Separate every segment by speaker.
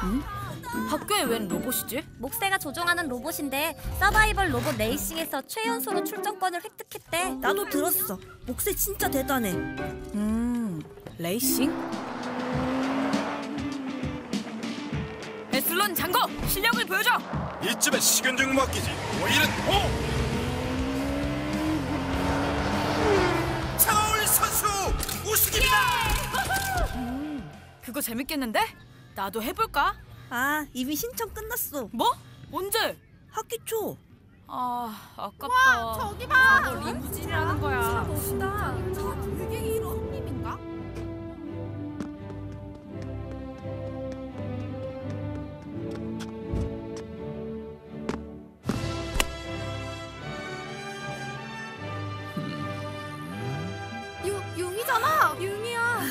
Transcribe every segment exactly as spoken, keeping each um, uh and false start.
Speaker 1: 응? 학교에 웬 로봇이지?
Speaker 2: 목세가 조종하는 로봇인데 서바이벌 로봇 레이싱에서 최연소로 출전권을 획득했대.
Speaker 3: 나도 들었어. 목세 진짜 대단해.
Speaker 1: 음... 레이싱? 에슬론 장거! 실력을 보여줘!
Speaker 4: 이쯤에 식은죽 먹기지. 오일은 오! 차가울 선수 우승입니다!
Speaker 1: 음, 그거 재밌겠는데? 나도 해볼까?
Speaker 3: 아, 이미 신청 끝났어.
Speaker 1: 뭐? 언제?
Speaker 3: 학기 초.
Speaker 1: 아, 아깝다.
Speaker 5: 와, 저기 봐!
Speaker 1: 저거 리무진이라는 거야.
Speaker 5: 멋있다. 저 되게 형님인가? 유, 융이잖아! 융이야!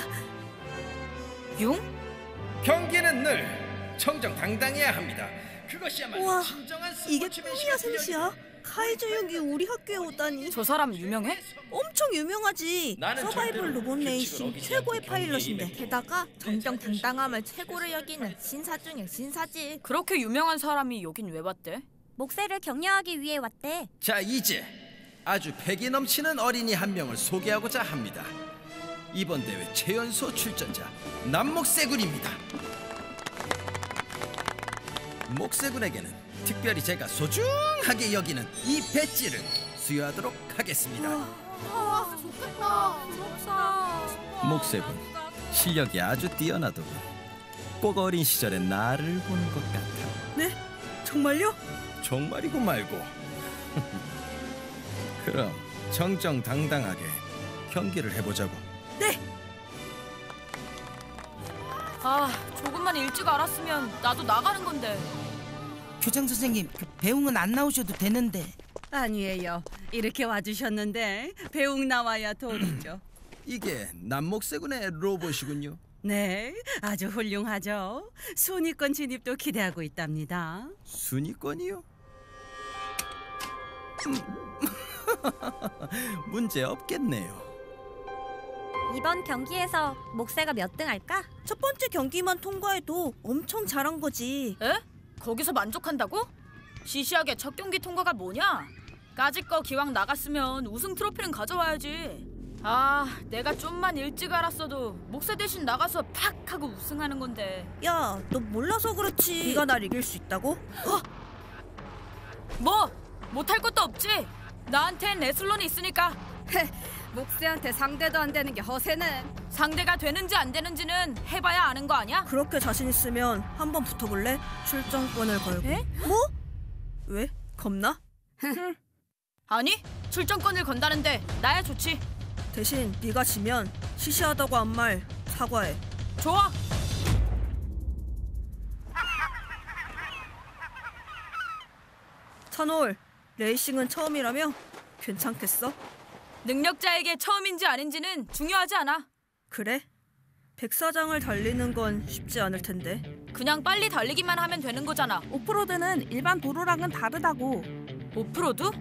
Speaker 1: 융?
Speaker 6: 경기는 늘 정정당당해야 합니다. 그것이야말로
Speaker 3: 우와,
Speaker 6: 진정한
Speaker 3: 이게
Speaker 6: 스포츠맨시가
Speaker 3: 꿈이야 셋이야? 카이저 형이 우리 학교에 오다니.
Speaker 1: 저 사람 유명해?
Speaker 3: 엄청 유명하지. 서바이벌 로봇 레이싱 최고의 파일럿인데.
Speaker 5: 게다가 정정당당함을 최고로 여기는 신사 중에 신사지.
Speaker 1: 그렇게 유명한 사람이 여긴 왜 왔대?
Speaker 2: 목세를 격려하기 위해 왔대.
Speaker 6: 자, 이제 아주 패기 넘치는 어린이 한 명을 소개하고자 합니다. 이번 대회 최연소 출전자 남목세군입니다. 목세군에게는 특별히 제가 소중하게 여기는 이 배지를 수여하도록 하겠습니다.
Speaker 5: 와, 좋겠다. 부럽다.
Speaker 6: 목세군, 실력이 아주 뛰어나더군. 꼭 어린 시절의 나를 보는 것 같아.
Speaker 3: 네? 정말요?
Speaker 6: 정말이고 말고. 그럼 정정당당하게 경기를 해보자고.
Speaker 3: 네!
Speaker 1: 아, 조금만 일찍 알았으면 나도 나가는 건데.
Speaker 7: 교장 선생님, 그 배웅은 안 나오셔도 되는데.
Speaker 8: 아니에요. 이렇게 와주셨는데 배웅 나와야 도리죠.
Speaker 6: 이게 남목세군의 로봇이군요.
Speaker 8: 네, 아주 훌륭하죠. 순위권 진입도 기대하고 있답니다.
Speaker 6: 순위권이요? 문제 없겠네요.
Speaker 2: 이번 경기에서 목세가 몇 등 할까?
Speaker 3: 첫 번째 경기만 통과해도 엄청 잘한 거지.
Speaker 1: 에? 거기서 만족한다고? 시시하게 첫 경기 통과가 뭐냐? 까짓 거 기왕 나갔으면 우승 트로피는 가져와야지. 아, 내가 좀만 일찍 알았어도 목세 대신 나가서 팍 하고 우승하는 건데.
Speaker 3: 야, 너 몰라서 그렇지. 네가 날 이길 수 있다고?
Speaker 1: 어? 뭐? 못할 것도 없지. 나한텐 에슬론이 있으니까.
Speaker 5: 목세한테 상대도 안 되는 게 허세는.
Speaker 1: 상대가 되는지 안 되는지는 해봐야 아는 거 아니야?
Speaker 3: 그렇게 자신 있으면 한번 붙어볼래? 출전권을 걸고.
Speaker 2: 에?
Speaker 3: 뭐? 왜? 겁나?
Speaker 1: 아니, 출전권을 건다는데 나야 좋지.
Speaker 3: 대신 네가 지면 시시하다고 한 말 사과해.
Speaker 1: 좋아.
Speaker 3: 찬홀, 레이싱은 처음이라며? 괜찮겠어?
Speaker 1: 능력자에게 처음인지 아닌지는 중요하지 않아.
Speaker 3: 그래? 백사장을 달리는 건 쉽지 않을 텐데.
Speaker 1: 그냥 빨리 달리기만 하면 되는 거잖아.
Speaker 5: 오프로드는 일반 도로랑은 다르다고.
Speaker 1: 오프로드?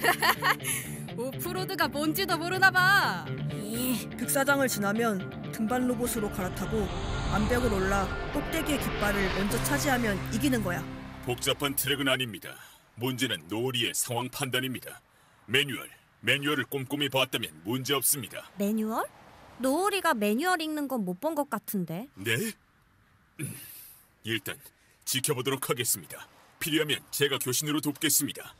Speaker 5: 오프로드가 뭔지도 모르나 봐.
Speaker 3: 백사장을 지나면 등반 로봇으로 갈아타고 암벽을 올라 꼭대기의 깃발을 먼저 차지하면 이기는 거야.
Speaker 4: 복잡한 트랙은 아닙니다. 문제는 노을이의 상황 판단입니다. 매뉴얼, 매뉴얼을 꼼꼼히 봤다면 문제 없습니다.
Speaker 2: 매뉴얼? 노을이가 매뉴얼 읽는 건 못 본 것 같은데.
Speaker 4: 네? 음, 일단 지켜보도록 하겠습니다. 필요하면 제가 교신으로 돕겠습니다.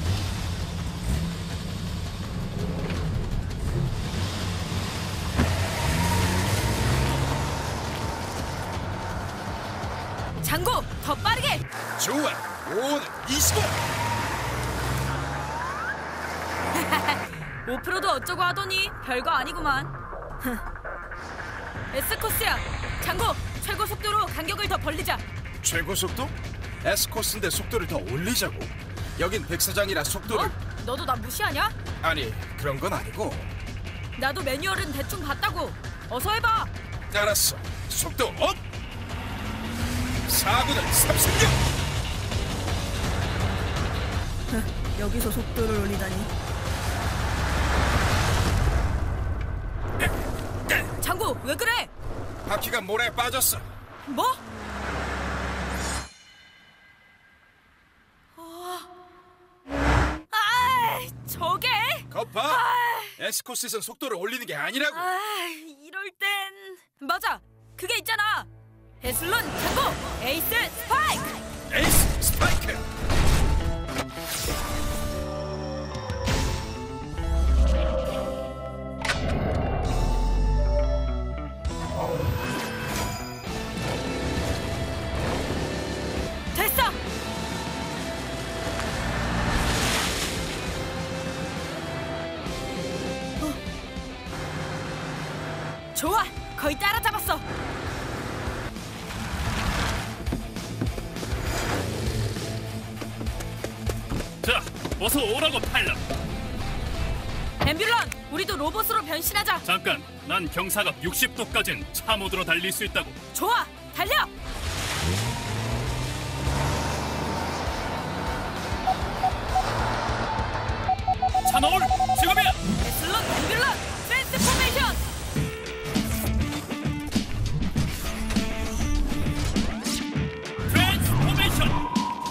Speaker 1: 장고, 더 빠르게!
Speaker 4: 좋아, 오는 이십오!
Speaker 1: 오프로드 어쩌고 하더니 별거 아니구만. S코스야, 장고, 최고 속도로 간격을 더 벌리자.
Speaker 4: 최고 속도? S코스인데 속도를 더 올리자고? 여긴 백사장이라 속도를...
Speaker 1: 어? 너도 나 무시하냐?
Speaker 4: 아니, 그런 건 아니고.
Speaker 1: 나도 매뉴얼은 대충 봤다고. 어서 해봐.
Speaker 4: 알았어, 속도 업! 사구는 삼십육!
Speaker 3: 여기서 속도를 올리다니.
Speaker 1: 장고, 왜 그래?
Speaker 4: 바퀴가 모래에 빠졌어.
Speaker 1: 뭐?
Speaker 9: 에스코시스는 속도를 올리는 게 아니라고.
Speaker 1: 아, 이럴 땐 맞아. 그게 있잖아. 에슬론 창고 에이스 스파이크.
Speaker 9: 에이스 스파이크.
Speaker 1: 됐어. 어. 좋아, 거의 따라잡았어.
Speaker 4: 자, 어서 오라고 팔라.
Speaker 1: 앰뷸런, 우리도 로봇으로 변신하자.
Speaker 4: 잠깐, 난 경사각 육십 도까진 차 모드로 달릴 수 있다고.
Speaker 1: 좋아, 달려.
Speaker 4: 차 넣을 지금이야.
Speaker 1: 에슬론 앰뷸런 트랜스포메이션.
Speaker 4: 트랜스포메이션.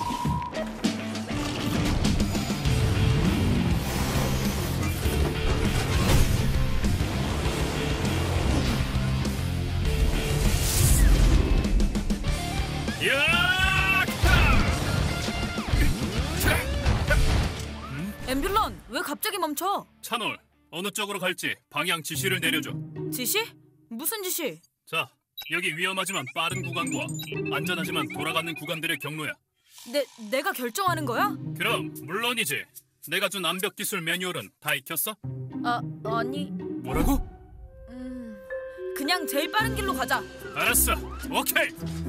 Speaker 1: 앰뷸런, 왜 갑자기 멈춰?
Speaker 4: 차놀, 어느 쪽으로 갈지 방향 지시를 내려줘.
Speaker 1: 지시? 무슨 지시?
Speaker 4: 자, 여기 위험하지만 빠른 구간과 안전하지만 돌아가는 구간들의 경로야.
Speaker 1: 내, 내가 결정하는 거야?
Speaker 4: 그럼 물론이지. 내가 준 암벽 기술 매뉴얼은 다 익혔어?
Speaker 1: 아, 아니.
Speaker 4: 뭐라고?
Speaker 1: 음, 그냥 제일 빠른 길로 가자.
Speaker 4: 알았어, 오케이.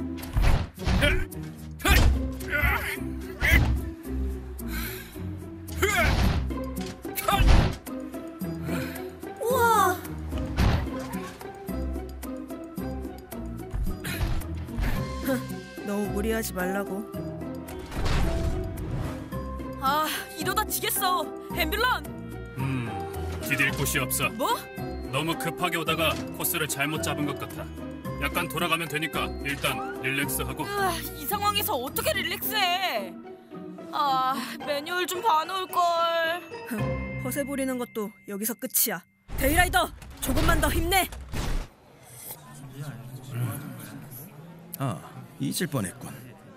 Speaker 3: 우와. 너무 무리하지 말라고.
Speaker 1: 아, 이러다 지겠어. 앰뷸런.
Speaker 4: 음, 기댈 곳이 없어.
Speaker 1: 뭐?
Speaker 4: 너무 급하게 오다가 코스를 잘못 잡은 것 같아. 약간 돌아가면 되니까 일단 릴렉스하고.
Speaker 1: 으아, 이 상황에서 어떻게 릴렉스해? 아, 매뉴얼 좀 봐놓을걸.
Speaker 3: 허세 부리는 것도 여기서 끝이야. 데이라이더, 조금만 더 힘내.
Speaker 6: 아, 잊을 뻔했군.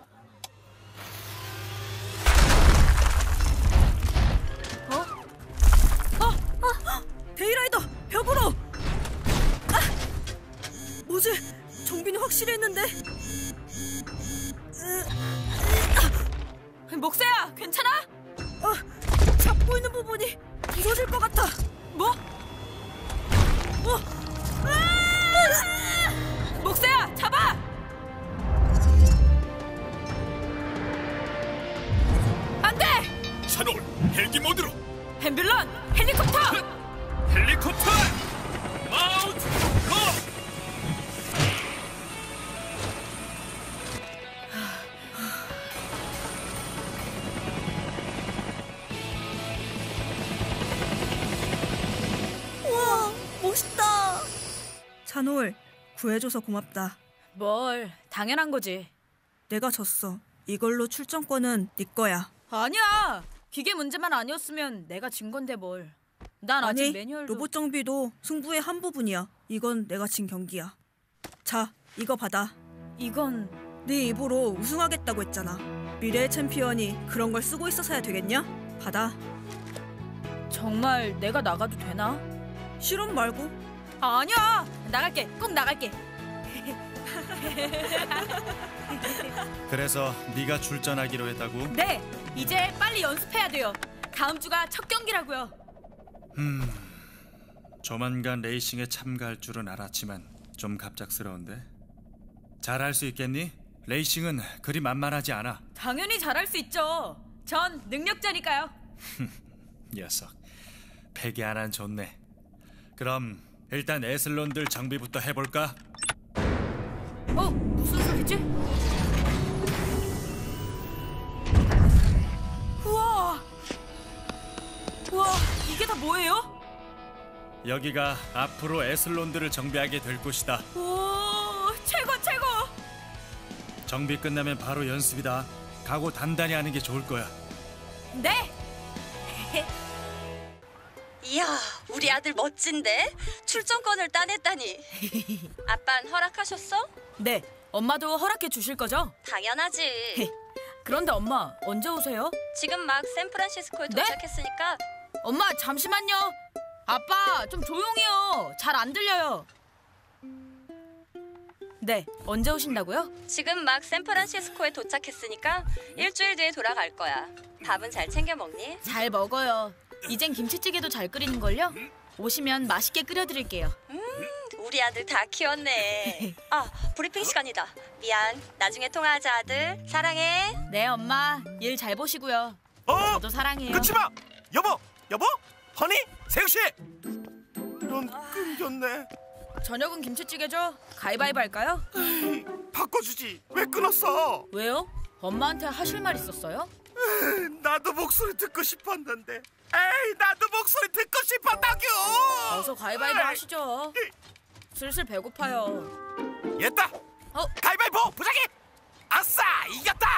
Speaker 3: 어? 어? 어? 데이라이더, 벽으로! 아! 뭐지? 정빈이 확실히 했는데?
Speaker 1: 목세야, 괜찮아?
Speaker 3: 어, 잡고 있는 부분이 부서질 것 같아.
Speaker 1: 뭐?
Speaker 3: 어?
Speaker 1: 아! 목세야, 잡아! 안 돼!
Speaker 4: 차놀, 헬기 모드로.
Speaker 1: 앰뷸런, 헬리콥터!
Speaker 4: 헬리콥터! 마운트 로!
Speaker 3: 우와, 멋있다. 찬홀, 구해줘서 고맙다.
Speaker 1: 뭘, 당연한 거지.
Speaker 3: 내가 졌어. 이걸로 출전권은 네 거야.
Speaker 1: 아니야. 기계 문제만 아니었으면 내가 진 건데 뭘. 난 아직
Speaker 3: 아니,
Speaker 1: 매뉴얼도.
Speaker 3: 로봇 정비도 승부의 한 부분이야. 이건 내가 진 경기야. 자, 이거 받아.
Speaker 1: 이건
Speaker 3: 네 입으로 우승하겠다고 했잖아. 미래의 챔피언이 그런 걸 쓰고 있어서야 되겠냐? 받아.
Speaker 1: 정말 내가 나가도 되나?
Speaker 3: 실험 말고.
Speaker 1: 아니야. 나갈게. 꼭 나갈게.
Speaker 10: 그래서 네가 출전하기로 했다고?
Speaker 1: 네. 이제 빨리 연습해야 돼요. 다음 주가 첫 경기라고요.
Speaker 10: 음, 조만간 레이싱에 참가할 줄은 알았지만 좀 갑작스러운데. 잘할 수 있겠니? 레이싱은 그리 만만하지 않아.
Speaker 1: 당연히 잘할 수 있죠. 전 능력자니까요.
Speaker 10: 녀석, 패기 하나는 좋네. 그럼 일단 에슬론들 장비부터 해볼까?
Speaker 1: 어? 무슨 소리지? 우와! 우와, 이게 다 뭐예요?
Speaker 10: 여기가 앞으로 에슬론들을 정비하게 될 곳이다.
Speaker 1: 오, 최고 최고!
Speaker 10: 정비 끝나면 바로 연습이다. 각오 단단히 하는 게 좋을 거야.
Speaker 1: 네!
Speaker 2: 이야,
Speaker 11: 우리 아들 멋진데? 출전권을 따냈다니. 아빤 허락하셨어?
Speaker 1: 네, 엄마도 허락해 주실 거죠?
Speaker 11: 당연하지.
Speaker 1: 그런데 엄마, 언제 오세요?
Speaker 11: 지금 막 샌프란시스코에
Speaker 1: 네?
Speaker 11: 도착했으니까.
Speaker 1: 엄마, 잠시만요. 아빠, 좀 조용히요. 잘 안 들려요. 네, 언제 오신다고요?
Speaker 11: 지금 막 샌프란시스코에 도착했으니까 일주일 뒤에 돌아갈 거야. 밥은 잘 챙겨 먹니?
Speaker 1: 잘 먹어요. 이젠 김치찌개도 잘 끓이는걸요? 오시면 맛있게 끓여드릴게요.
Speaker 11: 음, 우리 아들 다 키웠네. 아, 브리핑 시간이다. 미안. 나중에 통화하자, 아들. 사랑해.
Speaker 1: 네, 엄마. 일 잘 보시고요.
Speaker 12: 어?
Speaker 1: 저도 사랑해요.
Speaker 12: 끊지 마! 여보! 여보? 허니? 세우씨! 이런 끊겼네.
Speaker 1: 저녁은 김치찌개죠? 가위바위보 할까요?
Speaker 12: 에이, 바꿔주지. 왜 끊었어?
Speaker 1: 왜요? 엄마한테 하실 말 있었어요?
Speaker 12: 에이, 나도 목소리 듣고 싶었는데. 에이, 나도 목소리 듣고 싶었다규!
Speaker 1: 어서 가위바위보 하시죠. 슬슬 배고파요.
Speaker 12: 됐다!
Speaker 1: 어?
Speaker 12: 가위바위보! 부작이! 아싸! 이겼다!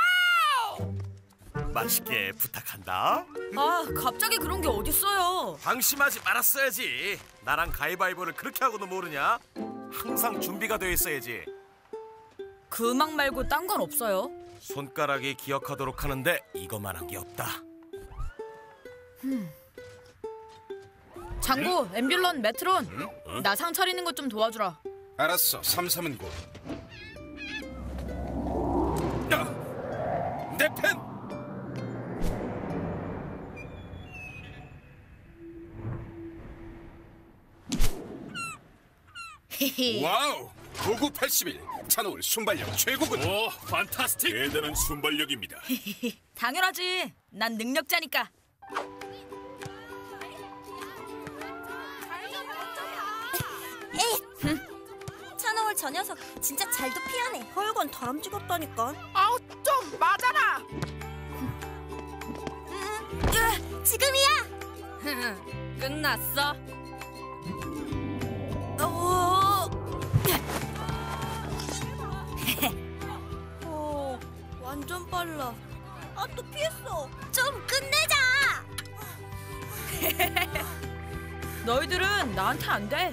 Speaker 12: 맛있게 부탁한다.
Speaker 1: 아, 갑자기 그런 게 어딨어요.
Speaker 12: 방심하지 말았어야지. 나랑 가위바위보를 그렇게 하고도 모르냐? 항상 준비가 돼 있어야지.
Speaker 1: 그 음악 말고 딴 건 없어요.
Speaker 12: 손가락이 기억하도록 하는데 이것만한 게 없다.
Speaker 1: 음. 장고, 앰뷸런, 메트론.
Speaker 9: 응? 어?
Speaker 1: 나 상 차리는 것 좀 도와주라.
Speaker 9: 알았어. 삼삼은 고. 야! 내 펜! 와우! 구구팔십일 찬호울 순발력 최고군.
Speaker 4: 오, 판타스틱! 대단한 순발력입니다.
Speaker 1: 당연하지. 난 능력자니까.
Speaker 2: 찬호울 저 녀석 진짜 잘도 피하네.
Speaker 3: 하여간 다람쥐 같다니까.
Speaker 5: 아우 좀 맞아라.
Speaker 2: 으, 지금이야.
Speaker 1: 끝났어.
Speaker 2: 오.
Speaker 3: 어, 완전 빨라.
Speaker 2: 아, 또 피했어. 좀 끝내자.
Speaker 1: 너희들은 나한테 안 돼.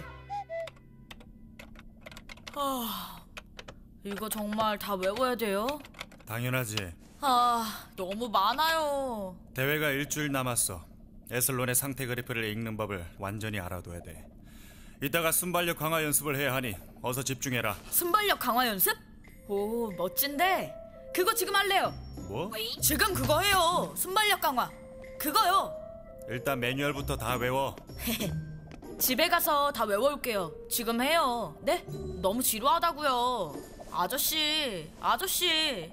Speaker 1: 아, 이거 정말 다 외워야 돼요?
Speaker 10: 당연하지.
Speaker 1: 아, 너무 많아요.
Speaker 10: 대회가 일주일 남았어. 에슬론의 상태 그래프를 읽는 법을 완전히 알아둬야 돼. 이따가 순발력 강화 연습을 해야 하니 어서 집중해라.
Speaker 1: 순발력 강화 연습? 오, 멋진데. 그거 지금 할래요.
Speaker 10: 뭐?
Speaker 1: 지금 그거 해요. 순발력 강화. 그거요.
Speaker 10: 일단 매뉴얼부터 다 외워.
Speaker 1: 집에 가서 다 외워올게요. 지금 해요. 네? 너무 지루하다고요. 아저씨, 아저씨.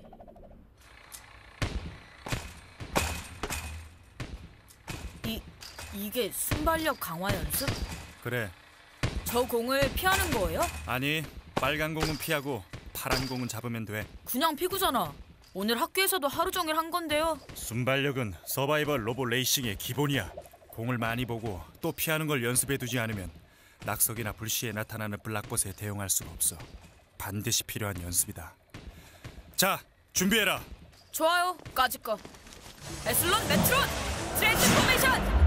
Speaker 1: 이, 이게 순발력 강화 연습?
Speaker 10: 그래.
Speaker 1: 저 공을 피하는 거예요?
Speaker 10: 아니, 빨간 공은 피하고 파란 공은 잡으면 돼.
Speaker 1: 그냥 피구잖아. 오늘 학교에서도 하루 종일 한 건데요.
Speaker 10: 순발력은 서바이벌 로봇 레이싱의 기본이야. 공을 많이 보고 또 피하는 걸 연습해두지 않으면 낙석이나 불시에 나타나는 블락봇에 대응할 수가 없어. 반드시 필요한 연습이다. 자, 준비해라.
Speaker 1: 좋아요. 까짓 거. 에슬론 메트론 트랜스포메이션.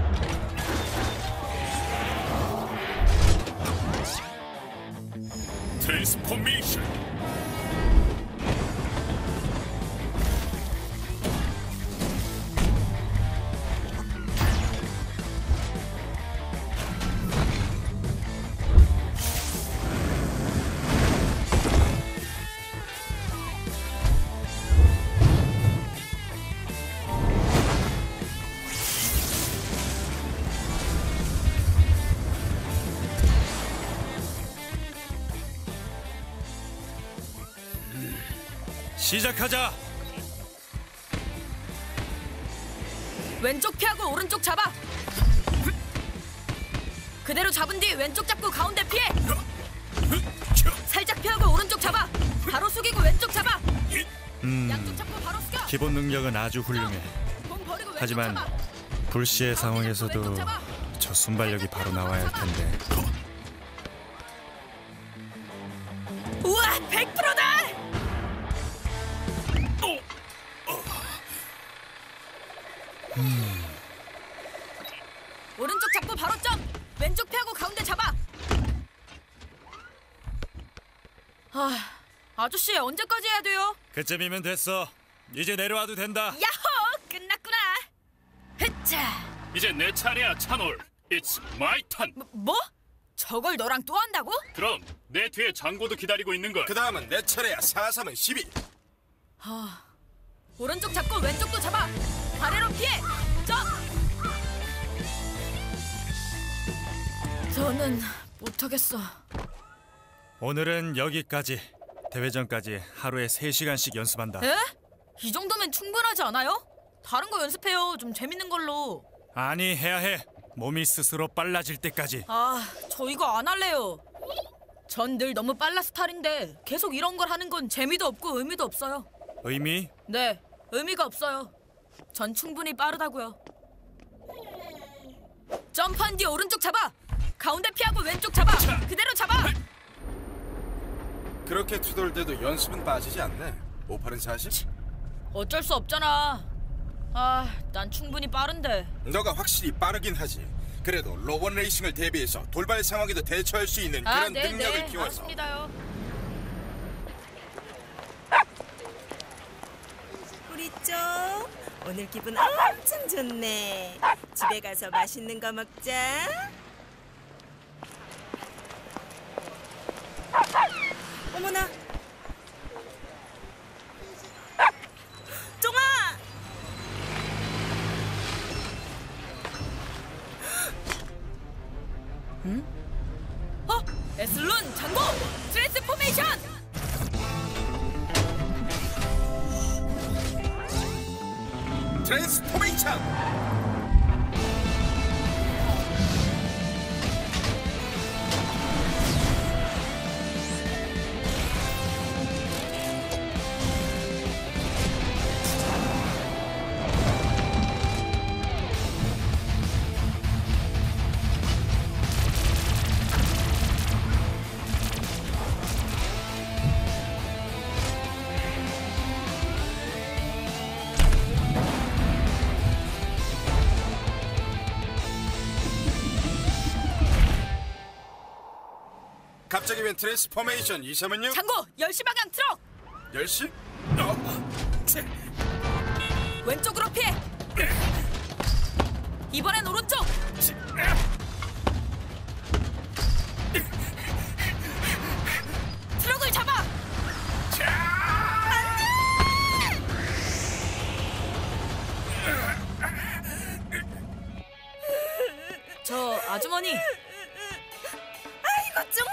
Speaker 4: 트랜스포메이션.
Speaker 10: 시작하자.
Speaker 1: 왼쪽 피하고 오른쪽 잡아. 그대로 잡은 뒤 왼쪽 잡고 가운데 피해. 살짝 피하고 오른쪽 잡아. 바로 숙이고 왼쪽 잡아.
Speaker 10: 음,
Speaker 1: 양쪽 잡고 바로 숙여.
Speaker 10: 기본 능력은 아주 훌륭해.
Speaker 1: 공 버리고 왼쪽
Speaker 10: 하지만
Speaker 1: 잡아.
Speaker 10: 불시의 상황에서도
Speaker 1: 왼쪽 잡아.
Speaker 10: 저 순발력이 바로 나와야 할 텐데.
Speaker 1: 우와, 백 퍼센트다.
Speaker 10: 음.
Speaker 1: 오른쪽 잡고 바로 점. 아, 아저씨 언제까지 해야 돼요?
Speaker 10: 그쯤이면 됐어. 이제 내려와도 된다.
Speaker 1: 야호! 끝났구나. 흐차.
Speaker 4: 이제 내 차례야, 찬올. It's my turn.
Speaker 1: 뭐? 뭐? 저걸 너랑 또 한다고?
Speaker 4: 그럼 내 뒤에 장고도 기다리고 있는 걸.
Speaker 9: 그 다음은 내 차례야. 사, 삼은 십이.
Speaker 1: 아, 오른쪽 잡고 왼쪽도 잡아. 아래로 피해. 점. 저는 못하겠어.
Speaker 10: 오늘은 여기까지. 대회전까지 하루에 세 시간씩 연습한다.
Speaker 1: 에? 이 정도면 충분하지 않아요? 다른 거 연습해요. 좀 재밌는 걸로.
Speaker 10: 아니, 해야 해. 몸이 스스로 빨라질 때까지.
Speaker 1: 아, 저 이거 안 할래요. 전 늘 너무 빨라 스타일인데 계속 이런 걸 하는 건 재미도 없고 의미도 없어요.
Speaker 10: 의미?
Speaker 1: 네, 의미가 없어요. 전 충분히 빠르다고요. 점프한 뒤 오른쪽 잡아. 가운데 피하고 왼쪽 잡아. 그대로 잡아.
Speaker 9: 그렇게 투덜대도 연습은 빠지지 않네. 오팔은 사십?
Speaker 1: 어쩔 수 없잖아. 아, 난 충분히 빠른데.
Speaker 9: 너가 확실히 빠르긴 하지. 그래도 로봇 레이싱을 대비해서 돌발 상황에도 대처할 수 있는
Speaker 1: 아,
Speaker 9: 그런
Speaker 1: 네,
Speaker 9: 능력을
Speaker 1: 네,
Speaker 9: 키워서.
Speaker 1: 알았습니다요.
Speaker 13: 우리 쪽 오늘 기분 엄청 좋네. 집에 가서 맛있는 거 먹자. 어머나. 쫑아.
Speaker 1: 응? 어? 에슬론 장고 트랜스포메이션!
Speaker 9: 트랜스포메이션! 갑자기 웬 트랜스포메이션? 이삼은요?
Speaker 1: 장고 열 시 방향 트럭!
Speaker 9: 열 시? 어.
Speaker 1: 왼쪽으로 피해! 이번엔 오른쪽! 트럭을 잡아! 저 아주머니.
Speaker 13: 아이고 쫑아.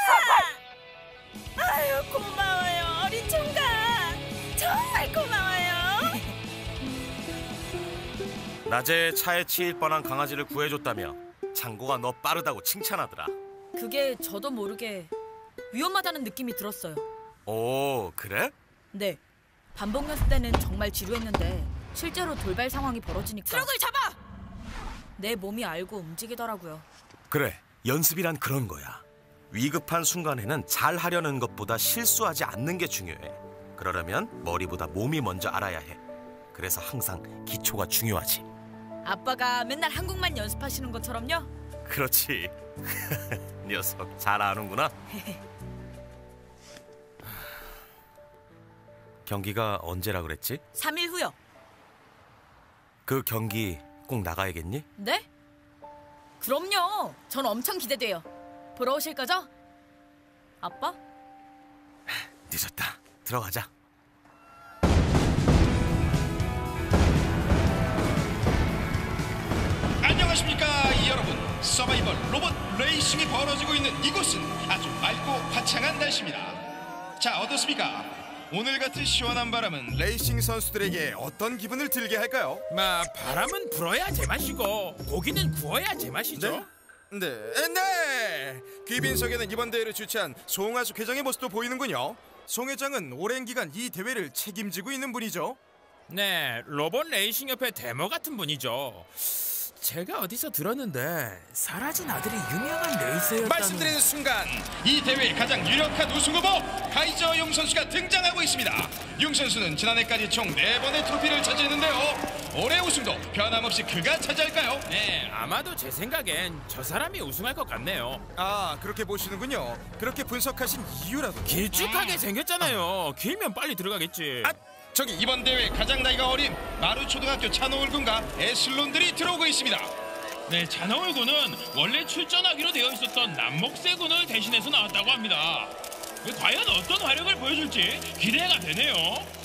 Speaker 13: 아유 고마워요 어린 총각. 정말 고마워요.
Speaker 12: 낮에 차에 치일 뻔한 강아지를 구해줬다며 장고가 너 빠르다고 칭찬하더라.
Speaker 1: 그게 저도 모르게 위험하다는 느낌이 들었어요.
Speaker 12: 오, 그래?
Speaker 1: 네, 반복 연습 때는 정말 지루했는데 실제로 돌발 상황이 벌어지니까 트럭을 잡아! 내 몸이 알고 움직이더라고요.
Speaker 12: 그래, 연습이란 그런 거야. 위급한 순간에는 잘 하려는 것보다 실수하지 않는 게 중요해. 그러려면 머리보다 몸이 먼저 알아야 해. 그래서 항상 기초가 중요하지.
Speaker 1: 아빠가 맨날 한국만 연습하시는 것처럼요?
Speaker 12: 그렇지. 녀석 잘 아는구나. 경기가 언제라 그랬지?
Speaker 1: 삼 일 후요.
Speaker 12: 그 경기 꼭 나가야겠니?
Speaker 1: 네? 그럼요. 전 엄청 기대돼요. 보러 오실 거죠? 아빠?
Speaker 12: 늦었다. 들어가자.
Speaker 14: 안녕하십니까 여러분. 서바이벌 로봇 레이싱이 벌어지고 있는 이곳은 아주 맑고 화창한 날씨입니다. 자, 어떻습니까? 오늘 같은 시원한 바람은
Speaker 9: 레이싱 선수들에게 어떤 기분을 들게 할까요?
Speaker 15: 마 바람은 불어야 제맛이고 고기는 구워야 제맛이죠.
Speaker 9: 네? 네, 네. 귀빈석에는 이번 대회를 주최한 송하숙 회장의 모습도 보이는군요. 송 회장은 오랜 기간 이 대회를 책임지고 있는 분이죠.
Speaker 15: 네, 로봇 레이싱 협회 데모 같은 분이죠. 제가 어디서 들었는데 사라진 아들이 유명한 레이서였다는.
Speaker 14: 말씀드리는 순간 이 대회의 가장 유력한 우승 후보 카이저 용 선수가 등장하고 있습니다. 용 선수는 지난해까지 총 네 번의 트로피를 차지했는데요. 올해 우승도 변함없이 그가 차지할까요?
Speaker 15: 네, 아마도 제 생각엔 저 사람이 우승할 것 같네요.
Speaker 9: 아, 그렇게 보시는군요. 그렇게 분석하신 이유라도.
Speaker 15: 길쭉하게 생겼잖아요. 길면 빨리 들어가겠지.
Speaker 14: 아, 저기 이번 대회 가장 나이가 어린 마루초등학교 찬호울 군과 에슬론들이 들어오고 있습니다.
Speaker 16: 네, 찬호울 군은 원래 출전하기로 되어 있었던 남목세 군을 대신해서 나왔다고 합니다. 과연 어떤 활약을 보여줄지 기대가 되네요.